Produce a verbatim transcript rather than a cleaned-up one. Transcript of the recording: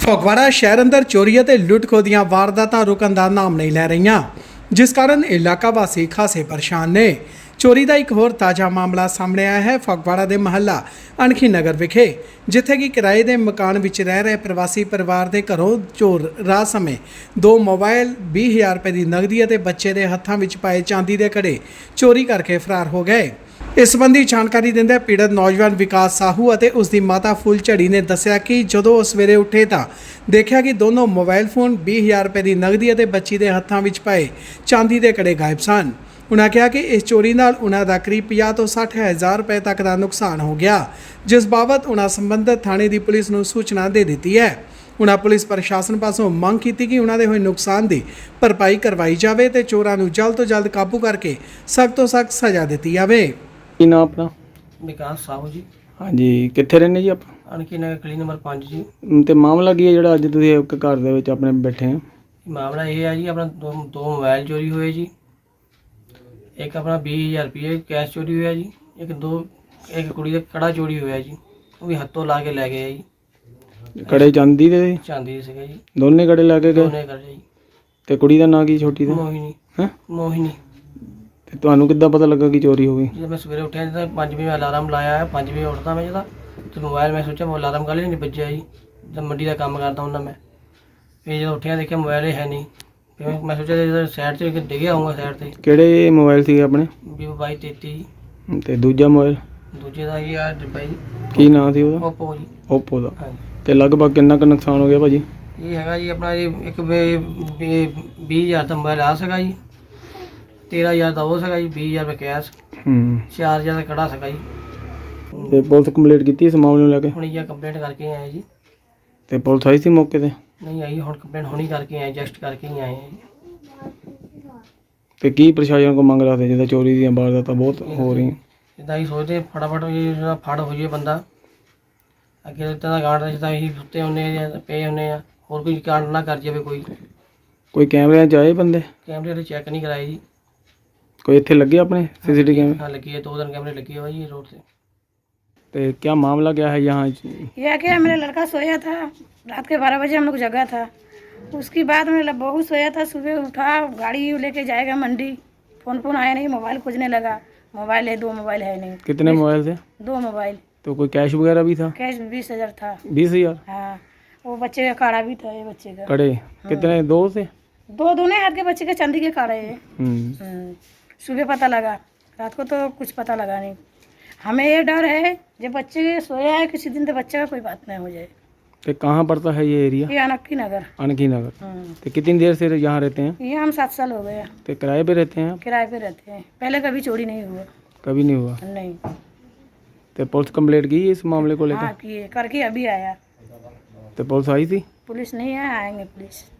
ਫਗਵਾੜਾ ਸ਼ਹਿਰ ਅੰਦਰ ਚੋਰੀ ਅਤੇ ਲੁੱਟ-ਖੋਹ ਦੀਆਂ ਵਾਰਦਾਤਾਂ ਰੁਕਣ ਦਾ ਨਾਮ ਨਹੀਂ ਲੈ ਰਹੀਆਂ, ਜਿਸ ਕਾਰਨ ਇਲਾਕਾ ਵਾਸੀ ਖਾਸੇ ਪਰੇਸ਼ਾਨ ਨੇ। ਚੋਰੀ ਦਾ ਇੱਕ ਹੋਰ ਤਾਜ਼ਾ ਮਾਮਲਾ ਸਾਹਮਣੇ ਆਇਆ ਹੈ ਫਗਵਾੜਾ ਦੇ ਮਹੱਲਾ ਅਣਖੀ ਨਗਰ ਵਿਖੇ, ਜਿੱਥੇ ਕਿ ਕਿਰਾਏ ਦੇ ਮਕਾਨ ਵਿੱਚ ਰਹਿ ਰਹੇ ਪ੍ਰਵਾਸੀ ਪਰਿਵਾਰ ਦੇ ਘਰੋਂ ਚੋਰ ਰਾਤ ਸਮੇਂ ਦੋ ਮੋਬਾਈਲ, ਵੀਹ ਹਜ਼ਾਰ ਰੁਪਏ ਦੀ ਨਗਦੀ ਅਤੇ ਬੱਚੇ ਦੇ ਹੱਥਾਂ ਵਿੱਚ ਪਾਏ ਚਾਂਦੀ ਦੇ ਕੜੇ ਚੋਰੀ ਕਰਕੇ ਫਰਾਰ ਹੋ ਗਏ। ਇਸ ਸੰਬੰਧੀ ਜਾਣਕਾਰੀ ਦਿੰਦੇ ਪੀੜਤ ਨੌਜਵਾਨ ਵਿਕਾਸ ਸਾਹੂ ਅਤੇ ਉਸ ਦੀ ਮਾਤਾ ਫੁੱਲਝੜੀ ਨੇ ਦੱਸਿਆ ਕਿ ਜਦੋਂ ਉਹ ਸਵੇਰੇ ਉੱਠੇ ਤਾਂ ਦੇਖਿਆ ਕਿ ਦੋਨੋਂ ਮੋਬਾਈਲ ਫੋਨ, ਵੀਹ ਹਜ਼ਾਰ ਰੁਪਏ ਦੀ ਨਗਦੀ ਅਤੇ ਬੱਚੀ ਦੇ ਹੱਥਾਂ ਵਿੱਚ ਪਾਏ ਚਾਂਦੀ ਦੇ ਕੜੇ ਗਾਇਬ ਸਨ। ਉਨ੍ਹਾਂ ਕਿਹਾ ਕਿ ਇਸ ਚੋਰੀ ਨਾਲ ਉਨ੍ਹਾਂ ਦਾ ਕਰੀਬ ਪੰਜਾਹ ਤੋਂ ਸੱਠ ਹਜ਼ਾਰ ਰੁਪਏ ਤੱਕ ਦਾ ਨੁਕਸਾਨ ਹੋ ਗਿਆ, ਜਿਸ ਬਾਬਤ ਉਨ੍ਹਾਂ ਸੰਬੰਧਿਤ ਥਾਣੇ ਦੀ ਪੁਲਿਸ ਨੂੰ ਸੂਚਨਾ ਦੇ ਦਿੱਤੀ ਹੈ। ਉਨ੍ਹਾਂ ਪੁਲਿਸ ਪ੍ਰਸ਼ਾਸਨ ਪਾਸੋਂ ਮੰਗ ਕੀਤੀ ਕਿ ਉਨ੍ਹਾਂ ਦੇ ਹੋਏ ਨੁਕਸਾਨ ਦੀ ਭਰਪਾਈ ਕਰਵਾਈ ਜਾਵੇ ਤੇ ਚੋਰਾਂ ਨੂੰ ਜਲਦ ਤੋਂ ਜਲਦ ਕਾਬੂ ਕਰਕੇ ਸਖਤ ਤੋਂ ਸਖਤ ਸਜ਼ਾ ਦਿੱਤੀ ਜਾਵੇ। ਕੀ ਨਾਮ ਆਪਣਾ? ਵਿਕਾਸ ਸਾਹੂ ਜੀ, ਹਾਂਜੀ, ਕਿੱਥੇ ਰਹਿੰਦੇ ਜੀ ਆਪਾਂ? ਅਣਖੀ ਨਗਰ ਗਲੀ ਨੰਬਰ ਪੰਜ ਜੀ। ਤੇ ਮਾਮਲਾ ਕੀ ਹੈ ਜਿਹੜਾ ਅੱਜ ਤੁਸੀਂ ਇੱਕ ਘਰ ਦੇ ਵਿੱਚ ਆਪਣੇ ਬੈਠੇ ਆ? ਮਾਮਲਾ ਇਹ ਹੈ ਜੀ, ਆਪਣਾ ਦੋ ਦੋ ਮੋਬਾਈਲ ਚੋਰੀ ਹੋਏ ਜੀ, ਇੱਕ ਆਪਣਾ ਵੀਹ ਹਜ਼ਾਰ ਰੁਪਏ ਕੈਸ਼ ਚੋਰੀ ਹੋਇਆ ਜੀ, ਇੱਕ ਦੋ ਇੱਕ ਕੁੜੀ ਦਾ ਕੜਾ ਚੋਰੀ ਹੋਇਆ ਜੀ, ਉਹ ਵੀ ਹੱਥੋਂ ਲਾ ਕੇ ਲੈ ਗਏ ਜੀ। ਕੜੇ ਚਾਂਦੀ ਦੇ? ਚਾਂਦੀ ਦੇ ਸੀਗੇ ਜੀ, ਦੋਨੇ ਕੜੇ ਲਾ ਕੇ ਗਏ? ਦੋਨੇ ਕੜੇ ਜੀ। ਤੇ ਕੁੜੀ ਦਾ ਨਾਂ ਕੀ ਛੋਟੀ ਦਾ? ਮੋਹਿਨੀ। ਹੈ ਮੋਹਿਨੀ। ਤੇ ਤੁਹਾਨੂੰ ਕਿੱਦਾਂ ਪਤਾ ਲੱਗਾ ਕਿ ਚੋਰੀ ਹੋ ਗਈ? ਜਦੋਂ ਮੈਂ ਸਵੇਰੇ ਉੱਠਿਆ ਤਾਂ ਪੰਜ ਵਜੇ ਅਲਾਰਮ ਲਾਇਆ ਹੈ, ਪੰਜ ਵਜੇ ਉੱਠਦਾ ਮੈਂ ਜਦੋਂ ਤੇ ਮੋਬਾਈਲ ਮੈਂ ਸੋਚਿਆ ਅਲਾਰਮ ਕਾਹਲੇ ਨਹੀਂ ਵੱਜਿਆ ਜੀ, ਜਦ ਮੰਡੀ ਦਾ ਕੰਮ ਕਰਦਾ ਹੁੰਦਾ ਮੈਂ। ਫਿਰ ਜਦੋਂ ਉੱਠਿਆ ਦੇਖਿਆ ਮੋਬਾਈਲ ਹੀ ਹੈ ਨਹੀਂ, ਫਿਰ ਮੈਂ ਸੋਚਿਆ ਸਾਈਡ 'ਤੇ ਡਿੱਗਿਆ ਆਊਂਗਾ ਸਾਈਡ 'ਤੇ। ਕਿਹੜੇ ਮੋਬਾਈਲ ਸੀਗੇ ਆਪਣੇ? ਵੀਵੋ ਬਾਈ ਤੇਤੀ ਜੀ। ਤੇ ਦੂਜਾ ਮੋਬਾਈਲ? ਦੂਜੇ ਦਾ ਜੀ ਆ ਡੱਬਾ ਜੀ। ਕੀ ਨਾਂ ਸੀ ਉਹਦਾ? ਓਪੋ ਜੀ। ਓਪੋ ਦਾ। ਹਾਂਜੀ। ਤੇ ਲਗਭਗ ਕਿੰਨਾ ਕੁ ਨੁਕਸਾਨ ਹੋ ਗਿਆ ਭਾਜੀ? ਇਹ ਹੈਗਾ ਜੀ ਆਪਣਾ ਜੀ ਇੱਕ ਵੀਹ ਹਜ਼ਾਰ ਦਾ ਮੋਬਾਈਲ ਆ ਸੀਗਾ ਜੀ, ਤੇਰ੍ਹਾਂ ਹਜ਼ਾਰ ਦਾ ਉਹ ਸੀਗਾ ਜੀ, ਵੀਹ ਹਜ਼ਾਰ ਰੁਪਏ ਕੈਸ਼, ਹੂੰ। ਚਾਰ ਹਜ਼ਾਰ ਦਾ ਕੜਾ ਸੀਗਾ ਜੀ। ਤੇ ਪੁਲਿਸ ਕੰਪਲੀਟ ਕੀਤੀ ਇਸ ਮਾਮਲੇ ਨੂੰ ਲੈ ਕੇ? ਹੁਣ ਇਹ ਕੰਪਲੇਂਟ ਕਰਕੇ ਆਏ ਜੀ। ਤੇ ਪੁਲਿਸ ਆਈ ਸੀ ਮੌਕੇ ਤੇ? ਨਹੀਂ ਆਈ, ਹੁਣ ਕੰਪਲੇਂਟ ਹੁਣੀ ਕਰਕੇ ਆਏ, ਜਸਟ ਕਰਕੇ ਹੀ ਆਏ ਆ ਜੀ। ਤੇ ਕੀ ਪ੍ਰਸ਼ਾਸਨ ਕੋ ਮੰਗ ਰੱਖਦੇ ਜਿੱਦਾਂ ਚੋਰੀ ਦੀਆਂ ਵਾਰਦਾਤਾਂ ਬਹੁਤ ਹੋ ਰਹੀਆਂ? ਜਿੱਦਾਂ ਅਸੀਂ ਸੋਚਦੇ ਫਟਾਫਟ ਇਹ ਜਿਹੜਾ ਫੜ ਹੋ ਜਾਏ ਬੰਦਾ, ਅੱਗੇ ਇੱਦਾਂ ਦਾ ਗਾਰਡ ਜਿੱਦਾਂ ਅਸੀਂ ਸੁੱਤੇ ਹੁੰਦੇ ਆ ਪਏ ਹੁੰਦੇ ਆ, ਹੋਰ ਕੋਈ ਕਾਂਡ ਨਾ ਕਰ ਜਾਵੇ। ਕੋਈ ਕੋਈ ਕੈਮਰਿਆਂ 'ਚ ਆਏ ਬੰਦੇ? ਕੈਮਰੇ ਵਾਲੇ ਚੈੱਕ ਨਹੀਂ ਕਰਾਏ ਜੀ। ਕੋਈ ਇੱਥੇ ਲੱਗੇ ਆਪਣੇ सीसीटीवी कैमरे? हाँ लगी है, दो दिन कैमरे लगी है भाई रोड से। तो क्या मामला क्या है यहाँ? यह क्या, मेरा लड़का सोया था, रात के बारह बजे हम लोग जगा था। उसके बाद मेरा बहू सोया था, सुबह उठा, गाड़ी लेके जाएगा मंडी, फ़ोन फ़ोन आया नहीं, मोबाइल खोजने लगा, मोबाइल है, दो मोबाइल है नहीं। कितने मोबाइल थे? दो मोबाइल। तो कोई कैश वगैरह भी था? कैश बीस हज़ार था। बीस हजार? हाँ, वो बच्चे का काड़ा भी था, ये बच्चे का कड़े कितने? दो से? दो दोनों हाथ के बच्चे के चांदी के काड़े है। हम्म। सुबह पता लगा, रात को तो कुछ पता लगा नहीं। हमें ये डर है जब बच्चे सोया है किसी दिन तो बच्चे का कोई बात नहीं हो जाए। तो कहाँ पड़ता है ये एरिया? ये अनक्की नगर। अनकी नगर। तो कितनी देर से यहाँ रहते हैं? ये हम सात साल हो गए। तो किराए पे रहते हैं? किराए पे रहते हैं, पहले कभी चोरी नहीं हुआ। कभी नहीं हुआ? नहीं। तो पुलिस कंप्लेंट की इस मामले को लेकर? हाँ किए, करके अभी आया। तो पुलिस आई थी? पुलिस नहीं है, आएंगे पुलिस।